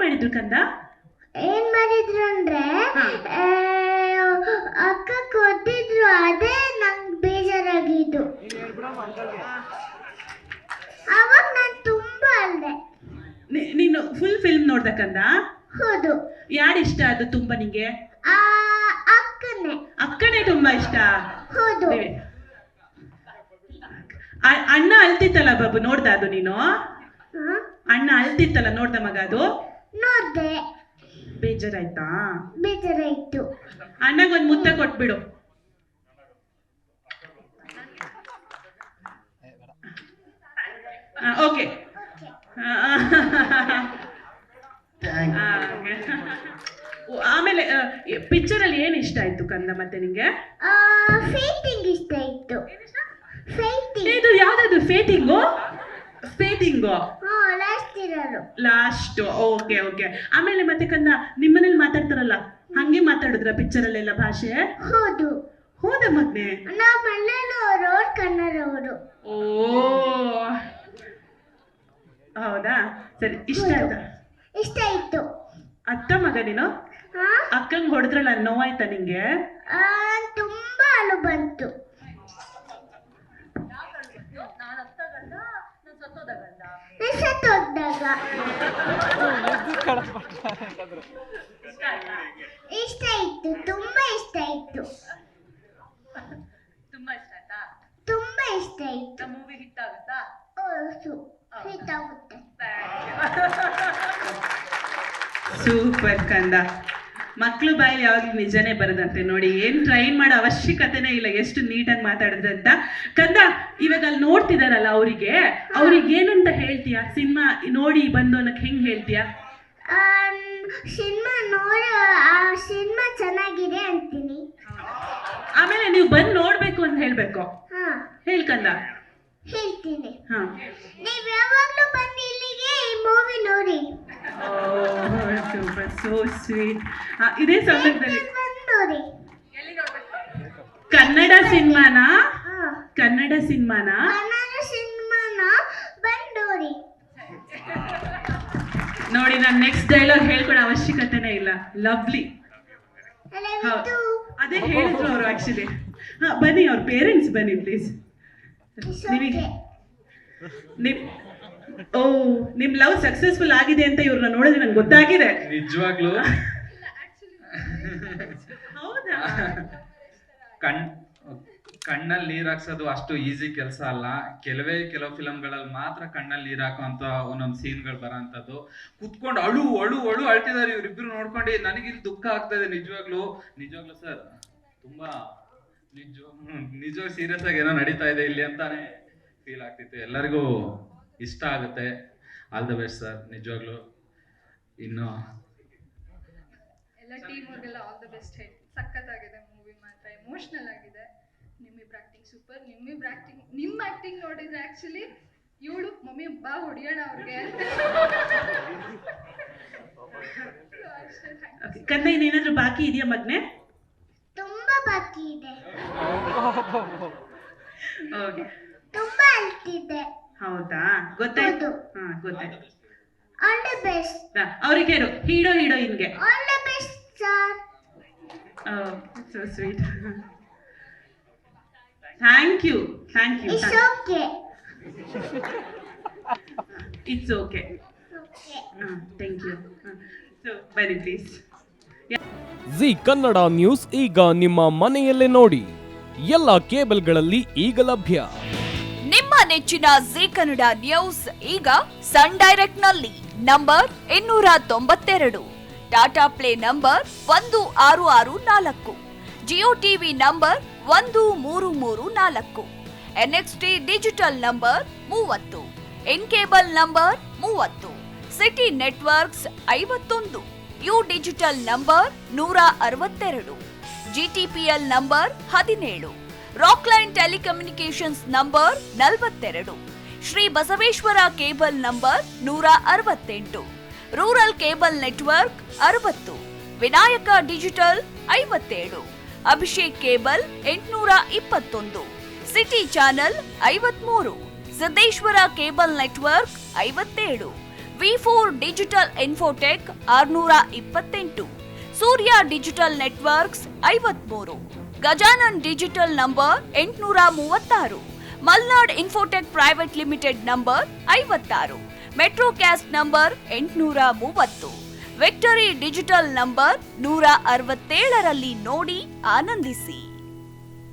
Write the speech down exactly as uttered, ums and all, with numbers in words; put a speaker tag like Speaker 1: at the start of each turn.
Speaker 1: ಮಾಡಿದ್ರು ಕಂದ?
Speaker 2: ಏನ್ ಮಾಡಿದ್ರು ಅಂದ್ರೆ ಅಕ್ಕ ಕೊಟ್ಟಿದ್ರು, ಅದೇ ನಂಗೆ ಬೇಜಾರಾಗಿದ್ದು. ಅವಾಗ ನಾನು ತುಂಬಾ ಅಲ್ದೆ.
Speaker 1: ನೀನು ಫುಲ್ ಫಿಲ್ಮ್ ನೋಡ್ದ ಕಂದ?
Speaker 2: ಹೌದು.
Speaker 1: ಯಾರು ಇಷ್ಟ ಅದು ತುಂಬಾ ನಿಂಗೆ?
Speaker 2: ಆ ಅಕ್ಕನೇ.
Speaker 1: ಅಕ್ಕನೇ ತುಂಬಾ ಇಷ್ಟ?
Speaker 2: ಹೌದು.
Speaker 1: ಅಣ್ಣ ಅಳ್ತಿತ್ತಲ್ಲ ಬಾಬು, ನೋಡ್ದ ಅದು ನೀನು? ಅಣ್ಣ ಅಳ್ತಿತ್ತಲ್ಲ, ನೋಡ್ದ ಮಗ ಅದು?
Speaker 2: ನೋಡ್ದೆ.
Speaker 1: ಬೇಜಾರಾಯ್ತಾ?
Speaker 2: ಬೇಜಾರಾಯ್ತು.
Speaker 1: ಅಣ್ಣಗೊಂದು ಮುತ್ತ ಕೊಟ್ಬಿಡು. ಓಕೆ. ಆಮೇಲೆ ಪಿಕ್ಚರ್ ಅಲ್ಲಿ ಏನ್ ಇಷ್ಟ ಆಯ್ತು ಕಂದ ಮತ್ತೆ ನಿಂಗೆ?
Speaker 2: ಫೇಟಿಂಗ್ ಇಷ್ಟ ಆಯ್ತು. ಫೇಟಿಂಗ್.
Speaker 1: ಇದು ಯಾವ್ದದು ಫೇಟಿಂಗು? ಫೇಟಿಂಗು
Speaker 2: ಲಾಸ್ಟ್ ಇರೋರು.
Speaker 1: ಲಾಸ್ಟ್. Okay okay. ಆಮೇಲೆ ಮತ್ತೆ ಕಂದ, ನಿಮ್ಮನೇಲಿ ಮಾತಾಡ್ತಾರಲ್ಲ ಹಂಗೆ ಮಾತಾಡಿದ್ರ ಪಿಕ್ಚರ್ ಅಲ್ಲೆಲ್ಲ ಭಾಷೆ?
Speaker 2: ಹೌದು.
Speaker 1: ಹೌದಾ ಮಗ್ನೆ?
Speaker 2: ನಾವು ಮಲೆನಾಡವರು, ಅವ್ರು ಕನ್ನಡವರು.
Speaker 1: ಓ ಹೌದಾ, ಸರಿ. ಇಷ್ಟ ಆಯ್ತಾ?
Speaker 2: ಇಷ್ಟ ಆಯ್ತು.
Speaker 1: ಅತ್ತ ಮಗ ನೀನು? ಅಕ್ಕಂಗ್ ಹೊಡೆದ್ರಲ್ಲ, ನೋವಾಯ್ತಾ ನಿಂಗೆ?
Speaker 2: ತುಂಬಾ ಅಳು ಬಂತು. ಸತ್ತೋದಾಗ ಇಷ್ಟ ಆಯ್ತು, ತುಂಬಾ ಇಷ್ಟ ಆಯ್ತು.
Speaker 3: ತುಂಬಾ ಇಷ್ಟ ಆಯ್ತಾ?
Speaker 2: ತುಂಬಾ ಇಷ್ಟ ಆಯ್ತು.
Speaker 3: ಮೂವಿ ಹಿಟ್ ಆಗುತ್ತಾ?
Speaker 2: ಹಿಟ್ ಆಗುತ್ತೆ.
Speaker 1: ಸೂಪರ್ ಕಂದ. ಮಕ್ಳು ಬಾಯಲ್ಲಿ ಯಾವಾಗ್ಲೂ ನಿಜನೇ ಬರದಂತೆ ನೋಡಿ. ಏನ್ ಟ್ರೈನ್ ಮಾಡೋ ಅವಶ್ಯಕತೆನೇ ಇಲ್ಲ, ಎಷ್ಟು ನೀಟಾಗಿ ಮಾತಾಡಿದ್ರೆ ಅಂತ. ಕಂದ, ಇವಾಗ ಅಲ್ಲಿ ನೋಡ್ತಿದಾರಲ್ಲ ಅವರಿಗೆ, ಅವ್ರಿಗೆ ಏನಂತ ಹೇಳ್ತೀಯ? ಸಿನಿಮಾ ನೋಡಿ ಬಂದು ಅನ್ನಕ್ ಹೆಂಗ್ ಹೇಳ್ತೀಯ?
Speaker 2: ಸಿನಿಮಾ ನೋಡ, ಆ ಸಿನಿಮಾ ಚೆನ್ನಾಗಿದೆ ಅಂತೀನಿ.
Speaker 1: ಆಮೇಲೆ ನೀವು ಬಂದು ನೋಡ್ಬೇಕು ಅಂತ ಹೇಳ್ಬೇಕು. ಹೇಳ್ ಕಂದ.
Speaker 2: ಹೇಳ್ತೀನಿ.
Speaker 1: ಹಾ,
Speaker 2: ನೀವ್ ಯಾವಾಗ್ಲೂ ಬಂದು ಇಲ್ಲಿಗೆ ಈ ಮೂವಿ ನೋಡಿ.
Speaker 1: Super, so sweet. ಇದೇ ಸಂದರ್ಭದಲ್ಲಿ
Speaker 2: ನೋಡಿ.
Speaker 1: ಕನ್ನಡ ಸಿನಿಮಾನಾ? ಕನ್ನಡ ಸಿನಿಮಾನಾ?
Speaker 2: ಕನ್ನಡ ಸಿನಿಮಾನ ಬಂದು ನೋಡಿ.
Speaker 1: ನೋಡಿ, ನಾನು ನೆಕ್ಸ್ಟ್ ಡೈಲಾಗ್ ಹೇಳ್ಕೊಡೋ ಅವಶ್ಯಕತೆನೇ ಇಲ್ಲ. ಲವ್ಲಿ. ಅದೇ ಹೇಳಿದ್ರು ಅವರು ಆಕ್ಚುಲಿ. ಹಾ, ಬನ್ನಿ, ಅವ್ರ ಪೇರೆಂಟ್ಸ್ ಬನ್ನಿ ಪ್ಲೀಸ್. ನಿಮಗೆ ನಿಮ್ ಓ ನಿಮ್ ಲವ್ ಸಕ್ಸಸ್ಫುಲ್ ಆಗಿದೆ ಅಂತ ಇವ್ರನ್ನ ನೋಡಿದ್ರೆ ನಂಗೆ ಗೊತ್ತಾಗಿದೆ.
Speaker 4: ನಿಜವಾಗ್ಲೂ
Speaker 1: ಹೌದಾ?
Speaker 4: ಕಣ್ ಕಣ್ಣಲ್ಲಿ ನೀರ್ ಹಾಕ್ಸೋದು ಅಷ್ಟು ಈಸಿ ಕೆಲಸ ಅಲ್ಲ. ಕೆಲವೇ ಕೆಲವು ಫಿಲಮ್ಗಳಲ್ಲಿ ಮಾತ್ರ ಕಣ್ಣಲ್ಲಿ ನೀರ್ ಹಾಕುವಂತ ಒಂದೊಂದು ಸೀನ್ಗಳು ಬರೋಂಥದ್ದು. ಕುತ್ಕೊಂಡು ಅಳು ಅಳು ಅಳು ಅಳ್ತಿದ್ದಾರೆ ಇವ್ರಿಬ್ರು ನೋಡ್ಕೊಂಡು. ನನಗಿಲ್ಲಿ ದುಃಖ ಆಗ್ತಾ ಇದೆ ನಿಜವಾಗ್ಲು. ನಿಜವಾಗ್ಲು ಸರ್, ತುಂಬಾ ನಿಜ ನಿಜವಾಗ ಸೀರಿಯಸ್ ಆಗಿ ಏನೋ ನಡೀತಾ ಇದೆ ಇಲ್ಲಿ ಅಂತಾನೆ ಫೀಲ್ ಆಗ್ತಿತ್ತು. ಎಲ್ಲರಿಗೂ ಇಷ್ಟ ಆಗುತ್ತೆ. ಆಲ್ ದ ಬೆಸ್ಟ್ ಸರ್, ನಿಜವಾಗ್ಲು. ಇನ್ನು
Speaker 3: ಎಲ್ಲ ಟೀಮ್ ಅವ್ರಿಗೆಲ್ಲ ಆಲ್ ದ ಬೆಸ್ಟ್ ಹೇಳಿ. ಸಖತ್ತಾಗಿದೆ ಮೂವಿ, ಮಾತ್ರ ಎಮೋಷನಲ್ ಆಗಿದೆ. ನಿಮ್ಮಿಬ್ರು ಆಕ್ಟಿಂಗ್ ಸೂಪರ್. ನಿಮ್ಮಿಬ್ರು ಆಕ್ಟಿಂಗ್ ನಿಮ್ಮ ಆಕ್ಟಿಂಗ್ ನೋಡಿದ್ರೆ ಆಕ್ಚುಲಿ ಇವಳು ಮಮ್ಮಿ ಬಾ ಹೊಡಿಯೋಣ ಅವ್ರಿಗೆ.
Speaker 1: ಕಂದ, ಇನ್ನೇನಾದ್ರೂ ಬಾಕಿ ಇದೆಯಾ ಮಗ್ನೆ?
Speaker 2: ತುಂಬಾ ಬಾಕಿ ಇದೆ.
Speaker 1: ಓಕೆ.
Speaker 2: ತುಂಬಾ ಅಳ್ತಿದ್ದೆ.
Speaker 1: ಹೌದಾ? ಗೊತ್ತಾಯ್ತು. ಹಾ, ಗೊತ್ತಾಯ್ತು.
Speaker 2: All the best.
Speaker 1: ಅವ್ರಿಗೆ ಹೇಳು, ಹೀರೋ ಹೀರೋಯಿನ್ಗೆ
Speaker 2: all the best sir.
Speaker 1: Oh, so sweet. Thank you, thank you.
Speaker 2: It's okay.
Speaker 1: It's okay. Thank you. So ಬನ್ನಿ ಪ್ಲೀಸ್.
Speaker 5: ಜಿ ಕನ್ನಡ ನ್ಯೂಸ್ ಈಗ ನಿಮ್ಮ ಮನೆಯಲ್ಲೇ ನೋಡಿ. ಎಲ್ಲ ಕೇಬಲ್ಗಳಲ್ಲಿ ಈಗ ಲಭ್ಯ.
Speaker 6: ನಿಮ್ಮ ನೆಚ್ಚಿನ ಜಿ ಕನ್ನಡ ನ್ಯೂಸ್ ಈಗ ಸನ್ ಡೈರೆಕ್ಟ್ ನಲ್ಲಿ ನಂಬರ್ ಇನ್ನೂರ ತೊಂಬತ್ತೆರಡು, ಟಾಟಾ ಪ್ಲೇ ನಂಬರ್ ಒಂದು ಆರು ಆರು ನಾಲ್ಕು, ಜಿಯೋ ಟಿವಿ ನಂಬರ್ ಒಂದು ಮೂರು ಮೂರು ನಾಲ್ಕು, ಎನ್ಎಕ್ಸ್ಟಿ ಡಿಜಿಟಲ್ ನಂಬರ್ ಮೂವತ್ತು, ಇನ್ ಕೇಬಲ್ ನಂಬರ್ ಮೂವತ್ತು, ಸಿಟಿ ನೆಟ್ವರ್ಕ್ಸ್ ಐವತ್ತೊಂದು, ಯು ಡಿಜಿಟಲ್ ನಂಬರ್ ನೂರ ಅರವತ್ತೆರಡು, ಜಿಟಿಪಿಎಲ್ ನಂಬರ್ ಹದಿನೇಳು, ರಾಕ್ಲೈನ್ ಟೆಲಿಕಮ್ಯುನಿಕೇಶನ್ಸ್ ನಂಬರ್ ನಲವತ್ತೆರಡು, ಶ್ರೀ ಬಸವೇಶ್ವರ ಕೇಬಲ್ ನಂಬರ್ ನೂರ ಅರವತ್ತೆಂಟು, ರೂರಲ್ ಕೇಬಲ್ ನೆಟ್ವರ್ಕ್ ಅರವತ್ತು, ವಿನಾಯಕ ಡಿಜಿಟಲ್ ಐವತ್ತೇಳು, ಅಭಿಷೇಕ್ ಕೇಬಲ್ ಎಂಟುನೂರ ಇಪ್ಪತ್ತೊಂದು, ಸಿಟಿ ಚಾನೆಲ್ ಐವತ್ಮೂರು, ಸಿದ್ದೇಶ್ವರ ಕೇಬಲ್ ನೆಟ್ವರ್ಕ್ ಐವತ್ತೇಳು, ವಿ ಫೋರ್ ಡಿಜಿಟಲ್ ಇನ್ಫೋಟೆಕ್ ಆರ್ನೂರ ಇಪ್ಪತ್ತೆಂಟು, ಸೂರ್ಯ ಡಿಜಿಟಲ್ ನೆಟ್ವರ್ಕ್ಸ್ ಐವತ್ಮೂರು, ಗಜಾನನ್ ಡಿಜಿಟಲ್ ನಂಬರ್ ಎಂಟುನೂರ ಮೂವತ್ತಾರು, Malnad infotech private limited number ಐವತ್ತಾರು, ಮೆಟ್ರೋಕ್ಯಾಸ್ಟ್ ನಂಬರ್ ಎಂಟುನೂರ ಮೂವತ್ತು, ವಿಕ್ಟರಿ ಡಿಜಿಟಲ್ ನಂಬರ್ ನೂರ ಅರವತ್ತೇಳರಲ್ಲಿ ನೋಡಿ ಆನಂದಿಸಿ.